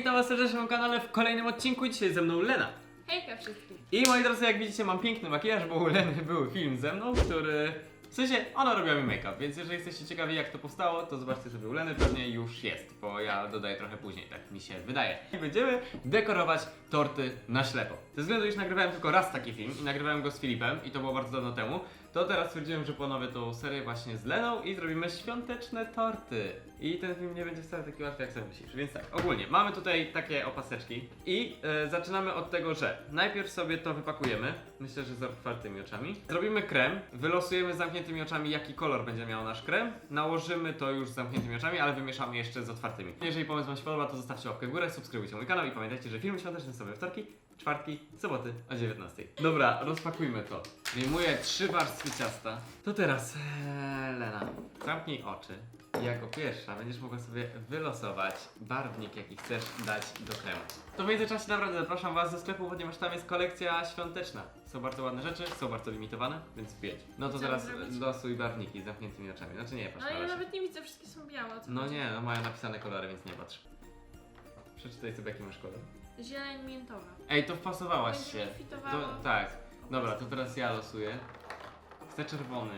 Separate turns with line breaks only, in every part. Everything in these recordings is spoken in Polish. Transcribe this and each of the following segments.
witam was serdecznie na moim kanale w kolejnym odcinku. Dzisiaj ze mną Lena.
Hejka wszystkim.
I moi drodzy, jak widzicie, mam piękny makijaż, bo u Leny był film ze mną, który... W sensie, ona robiła mi make-up, więc jeżeli jesteście ciekawi jak to powstało, to zobaczcie sobie u Leny, pewnie już jest, bo ja dodaję trochę później, tak mi się wydaje. I będziemy dekorować torty na ślepo. Ze względu, iż nagrywałem tylko raz taki film i nagrywałem go z Filipem i to było bardzo dawno temu, to teraz stwierdziłem, że ponowię tą serię właśnie z Leną i zrobimy świąteczne torty. I ten film nie będzie wcale taki łatwy jak sobie myślisz. Więc tak, ogólnie mamy tutaj takie opaseczki i zaczynamy od tego, że najpierw sobie to wypakujemy, myślę, że z otwartymi oczami. Zrobimy krem, wylosujemy z zamkniętymi oczami jaki kolor będzie miał nasz krem, nałożymy to już z zamkniętymi oczami, ale wymieszamy jeszcze z otwartymi. Jeżeli pomysł wam się podoba, to zostawcie łapkę w górę, subskrybujcie mój kanał i pamiętajcie, że filmy świąteczne są we wtorki, czwartki, soboty o 19. Dobra, rozpakujmy to. Wyjmuję 3 warstwy ciasta. To teraz, Lena, zamknij oczy. I jako pierwsza będziesz mogła sobie wylosować barwnik, jaki chcesz dać do kremu. To w międzyczasie naprawdę zapraszam was do sklepu, ponieważ tam jest kolekcja świąteczna. Są bardzo ładne rzeczy, są bardzo limitowane, więc wjedź. No to
Co
teraz
zrobić?
losuj barwniki z zamkniętymi oczami. Znaczy nie, patrz
Ale
na
ja
razie.
nawet nie widzę, wszystkie są białe. O co
No
chodzi?
nie, no mają napisane kolory, więc nie patrz. Przeczytaj sobie jaki masz kolor.
Zieleń miętowa.
Ej, to wpasowałaś
Będzie
się.
mi fitowało.
To, tak. Dobra, to teraz ja losuję. Chcę czerwony.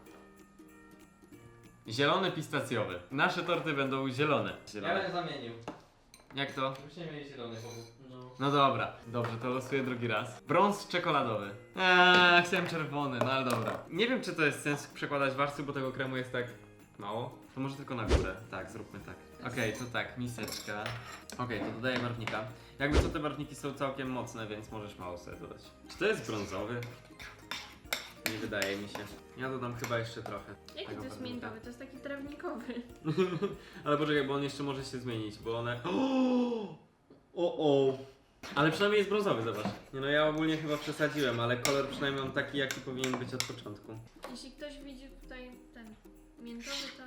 Zielony pistacjowy. Nasze torty będą zielone.
Ja bym zamienił.
Jak to?
Żebyście mieli zielony powód. No.
No dobra. Dobrze, to losuję drugi raz. Brąz czekoladowy. Chciałem czerwony, no ale dobra. Nie wiem, czy to jest sens przekładać warstwy, bo tego kremu jest tak mało. To może tylko na górę. Tak, zróbmy tak. Okej, to tak, miseczka. Okej, to dodaję barwnika. Jakby co, te barwniki są całkiem mocne, więc możesz mało sobie dodać. Czy to jest brązowy? Nie wydaje mi się. Ja dodam chyba jeszcze trochę.
Jaki
tego
to jest
barwnika.
miętowy? To jest taki trawnikowy.
Ale poczekaj, bo on jeszcze może się zmienić, bo one... O! Ale przynajmniej jest brązowy, zobacz. Nie no, ja ogólnie chyba przesadziłem, ale kolor przynajmniej mam taki, jaki powinien być od początku.
Jeśli ktoś widzi tutaj ten miętowy, to...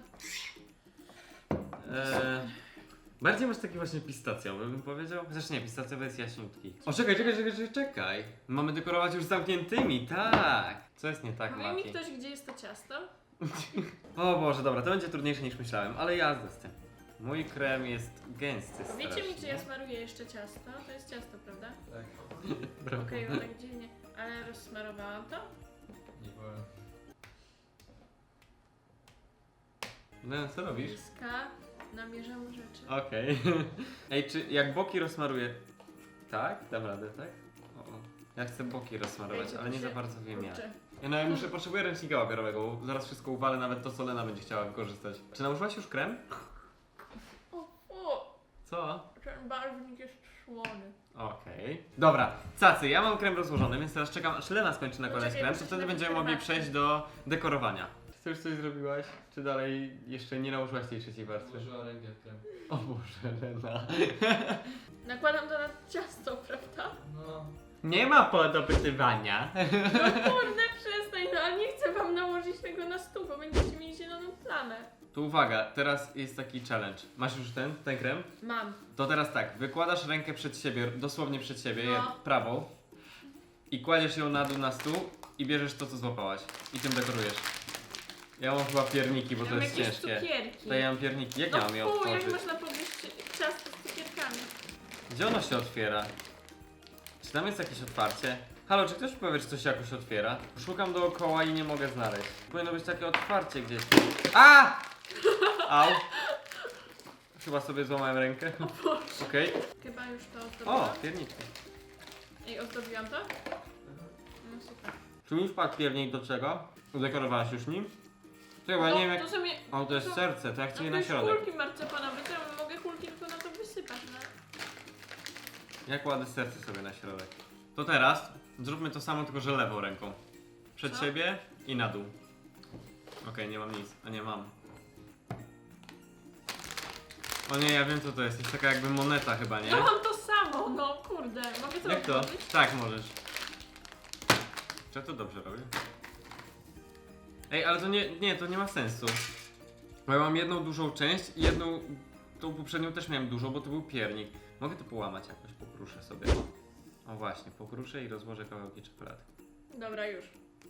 Bardziej masz taki właśnie pistacjowy, bym powiedział. Chociaż nie, pistacjowy jest jaśniutki. O, czekaj. Mamy dekorować już zamkniętymi, tak. Co jest nie tak,
Powie mi
Mati?
ktoś, gdzie jest to ciasto?
O Boże, dobra, to będzie trudniejsze niż myślałem, ale jazda z tym. Mój krem jest gęsty
Powiecie mi, czy
strasznie.
ja smaruję jeszcze ciasto? To jest ciasto, prawda?
Tak.
Brawo.
Okej, ale tak dziwnie. Ale rozsmarowałam to?
Nie powiem.
No, co robisz?
Bliska. Namierzam rzeczy.
Okej. Ej, czy jak boki rozmaruję... Tak? Dam radę, tak? O. Ja chcę boki rozsmarować,
Ej, to
ale nie
się-
za bardzo wiem jak.
Kurczę.
No ja potrzebuję ręcznika papierowego, bo zaraz wszystko uwalę, nawet to co Lena będzie chciała wykorzystać. Czy nałożyłaś już krem?
O,
Co?
ten barwnik jest słony.
Okej. Dobra, cacy, ja mam krem rozłożony, więc teraz czekam aż Lena skończy nakładać
Poczekaj,
krem,
muszę
to
się
wtedy
napić
będziemy mogli
herbatki.
przejść do dekorowania. Czy już coś zrobiłaś? Czy dalej jeszcze nie nałożyłaś tej trzeciej warstwy?
Włożyła rękę w krem.
O Boże, Lena.
Nakładam to na ciasto, prawda?
No.
Nie ma podopytywania.
No kurde, przestań, no ale nie chcę wam nałożyć tego na stół, bo będziecie mieli zieloną plamę.
Tu uwaga, teraz jest taki challenge. Masz już ten krem?
Mam.
To teraz tak, wykładasz rękę przed siebie, dosłownie przed siebie,
No.
prawą i kładziesz ją na dół na stół i bierzesz to, co złapałaś i tym dekorujesz. Ja mam chyba pierniki, bo to
Mam
jest
jakieś
ciężkie.
cukierki.
To ja mam pierniki, jak
No
ja mam je
fu, jak
otworzyć?
można podnieść ciasto z cukierkami?
Gdzie ono się otwiera? Czy tam jest jakieś otwarcie? Halo, czy ktoś mi powie, czy coś się jakoś otwiera? Szukam dookoła i nie mogę znaleźć. Powinno być takie otwarcie gdzieś. A! Au! Chyba sobie złamałem rękę. Okej.
Chyba już to ozdobiłam.
O, pierniczki.
Ej, ozdobiłam to? No super.
Czy już padł piernik do czego? Udekorowałaś już nim? Czekaj, bo ja
No,
nie wiem jak...
to sobie...
O, to jest
to-
serce, to ja chcę je
to
na
już
środek.
kulki marcepanowe, to ja mogę kulki tylko na to wysypać, no.
Ja kładę serce sobie na środek. To teraz zróbmy to samo, tylko że lewą ręką. Przed
Co?
siebie i na dół. Okej, nie mam nic. A nie mam. O nie, ja wiem co to jest. To jest taka jakby moneta chyba, nie?
No mam to samo, no kurde. Mogę to
Jak to?
otworzyć?
Tak, możesz. Czy ja to dobrze robię? Ej, ale to nie, to nie ma sensu. Bo ja mam jedną dużą część i jedną, tą poprzednią też miałem dużą, bo to był piernik. Mogę to połamać jakoś, pokruszę sobie. O właśnie, pokruszę i rozłożę kawałki czekolady.
Dobra, już.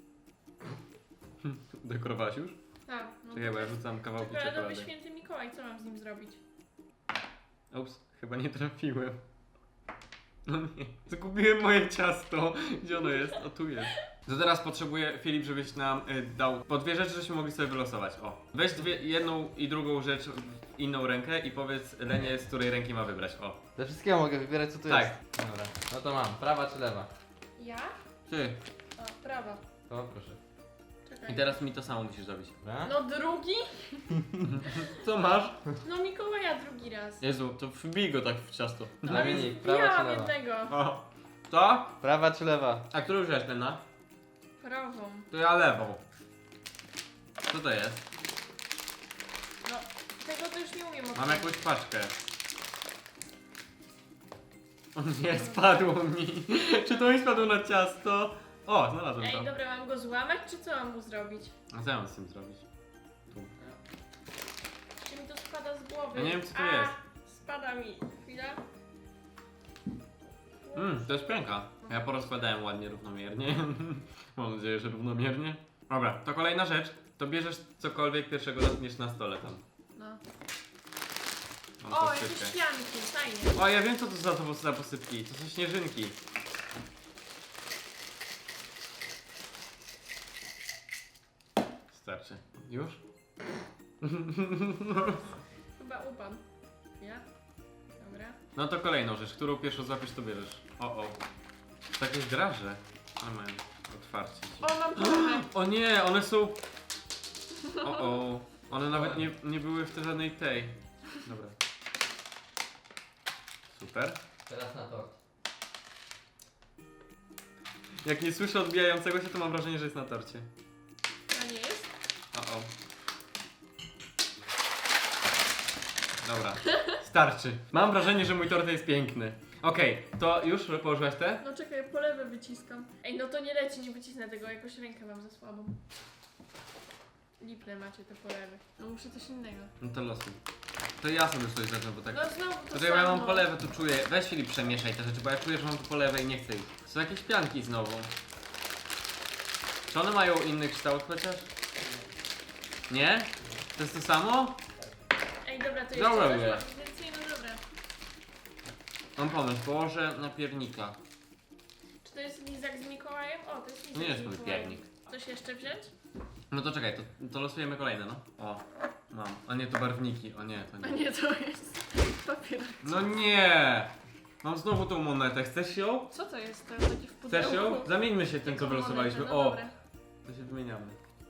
Dekorowałaś już?
Tak. No
Czekaj, bo ja rzucam kawałki
czekoladowy
czekolady.
święty Mikołaj, co mam z nim zrobić?
Ups, Chyba nie trafiłem. No nie. Zgubiłem moje ciasto. Gdzie ono jest? O, tu jest. To teraz potrzebuję, Filip, żebyś nam dał po dwie rzeczy, żebyśmy mogli sobie wylosować. O. Weź jedną i drugą rzecz w inną rękę i powiedz Lenie, z której ręki ma wybrać. O.
Ze wszystkiego mogę wybierać, co tu
Tak.
jest. Dobra, no to mam. Prawa czy lewa?
Ja?
Ty.
O, prawa.
To proszę.
Czekaj.
I teraz mi to samo musisz zrobić.
Dobra?
No drugi?
Co masz?
No Mikołaja drugi raz.
Jezu, to wbij go tak w ciasto.
Zamiennik, prawa czy
Miałam
lewa?
jednego.
O. To?
Prawa czy lewa?
A którą już jest, Lena?
Prawą.
To ja lewą. Co to jest?
No, tego to już nie umiem
Mam
otworzyć.
jakąś paczkę. O nie, spadło mi. Czy to mi spadło na ciasto? O, znalazłem
Ej,
to.
dobra, mam go złamać, czy co mam mu zrobić?
A co ja mam z tym zrobić? Tu.
Czy mi to spada z głowy?
Ja nie wiem, co to
A,
jest.
Spada mi. Chwila.
To jest pęka. Ja porozkładałem ładnie, równomiernie. Mam nadzieję, że równomiernie. Dobra, to kolejna rzecz. To bierzesz cokolwiek pierwszego dotkniesz na stole tam.
No.
Mam
O, jakieś
posypkę.
pianki, fajnie.
O, ja wiem co to za posypki. To są śnieżynki. Starczy. Już?
Chyba upadł. Chwila. Dobra.
No to kolejną rzecz, którą pierwszą złapiesz, to bierzesz. O. To jakieś draże. Ale mają otwarcie.
O, mam połowę.
O nie, one są... O. One nawet nie były w żadnej tej. Dobra. Super.
Teraz na tort.
Jak nie słyszę odbijającego się, to mam wrażenie, że jest na torcie.
A nie jest?
O. Dobra, starczy. Mam wrażenie, że mój tort jest piękny. Okej, to już położyłaś te?
No czekaj, polewę wyciskam. Ej, no to nie leci, nie wycisnę tego, jakoś rękę mam za słabą. Lipne macie te polewy. No muszę coś innego.
No to losuj. To ja sobie coś zacznę, bo tak...
No znowu to
Dlatego ja mam
samo.
polewę, to czuję. Weź Filip, przemieszaj te rzeczy, bo ja czuję, że mam tu polewę i nie chcę ich. Są jakieś pianki znowu. Czy one mają inny kształt chociaż? Nie? To jest to samo?
Ej, dobra, to
Dobra,
jeszcze
mówię.
coś mam więcej, no dobra.
Mam pomysł, położę na piernika.
Czy to jest lizak z Mikołajem? O, to jest lizak
Nie jest
z
mój
Mikołajem.
piernik.
Coś jeszcze wziąć?
No to czekaj, to losujemy kolejne, no. O, mam. A nie, to barwniki. O nie, to
A
nie.
nie, to jest papier.
No nie! Mam znowu tą monetę. Chcesz ją?
Co to jest? To taki w pudełku.
Chcesz ją? Zamieńmy się tym, co
Taką
wylosowaliśmy.
monetę, no
O,
dobra.
to się wymieniamy.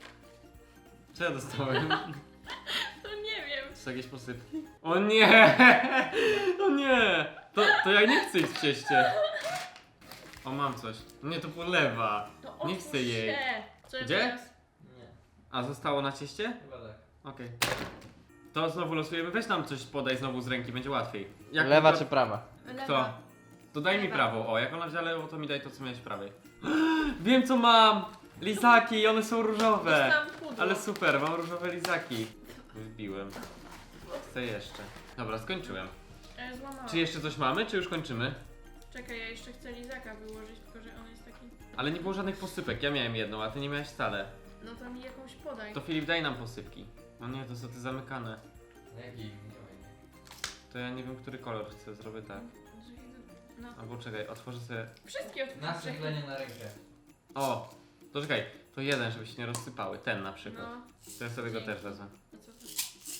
Co ja dostałem?
No nie wiem.
To są jakieś posypki? O nie! O nie! To ja nie chcę ich w cieście. O, mam coś. Nie, to polewa.
No
Nie chcę
otwórz
jej.
się. Co
Gdzie?
teraz?
Nie,
A, zostało na cieście?
chyba tak.
Okej. To znowu losujemy. Weź nam coś podaj znowu z ręki, będzie łatwiej. Jak
Lewa
to...
czy prawa?
Kto? To daj mi
Lewa.
prawą. O, jak ona wzięła lewą, to mi daj to, co miałeś w prawej. Wiem, co mam! Lizaki, one są różowe.
Dostałam pudło.
Ale super, mam różowe lizaki. Wbiłem. Chcę jeszcze. Dobra, skończyłem.
Złamałam.
Czy jeszcze coś mamy, czy już kończymy?
Czekaj, ja jeszcze chcę lizaka wyłożyć, tylko że on jest taki...
Ale nie było żadnych posypek. Ja miałem jedną, a ty nie miałeś wcale.
No to mi jakąś podaj.
To Filip, daj nam posypki. O nie, to są te zamykane.
Jaki? Nie ma innej.
To ja nie wiem, który kolor chcę. Zrobię tak.
No.
Albo czekaj, otworzę sobie...
Wszystkie otwórz.
Nasyplenie na rękę.
O! To czekaj, to jeden, żeby się nie rozsypały. Ten na przykład.
No.
To ja sobie go też wezmę.
A co to?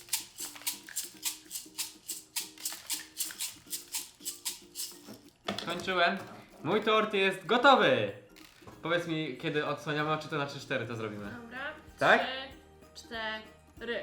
Skończyłem. Mój tort jest gotowy! Powiedz mi, kiedy odsłaniamy, a czy to na 3-4 to zrobimy.
Dobra.
Tak?
3, 4.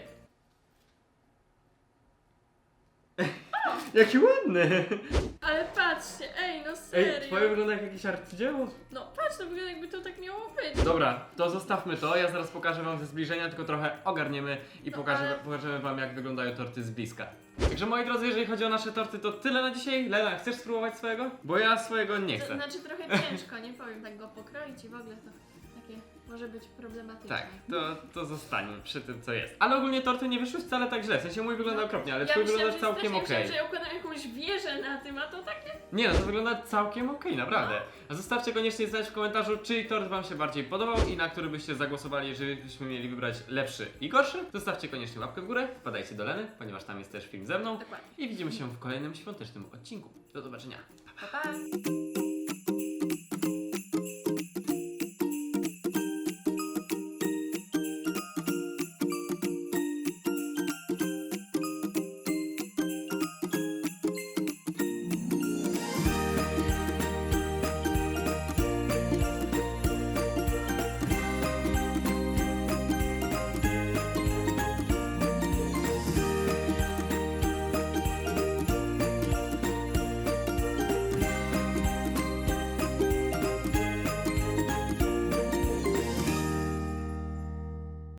Jaki ładny!
Ale patrzcie, ej, no
Ej,
serio.
twoje wygląda jak jakieś arcydzieło.
No patrz, to wygląda jakby to tak miało być.
Dobra, to zostawmy to. Ja zaraz pokażę wam ze zbliżenia, tylko trochę ogarniemy i
No,
pokażemy wam, jak wyglądają torty z bliska. Także moi drodzy, jeżeli chodzi o nasze torty, to tyle na dzisiaj. Lena, chcesz spróbować swojego? Bo ja swojego nie
To
chcę.
znaczy trochę ciężko, nie powiem, tak go pokroić i w ogóle to takie może być problematyczne.
Tak, to zostanie przy tym, co jest. Ale ogólnie torty nie wyszły wcale tak źle. W sensie mój wygląda okropnie, ale
Ja
twój
myślałam,
wygląda
że
całkiem
strasznie
okej.
myślałam, że ja układam jakąś wieżę na tym, a to takie...
Nie no, to wygląda całkiem okej, naprawdę. A zostawcie koniecznie znać w komentarzu, czyj tort wam się bardziej podobał i na który byście zagłosowali, jeżeli byśmy mieli wybrać lepszy i gorszy. Zostawcie koniecznie łapkę w górę, wpadajcie do Leny, ponieważ tam jest też film ze mną.
Dokładnie.
I widzimy się w kolejnym świątecznym odcinku. Do zobaczenia.
Pa, pa.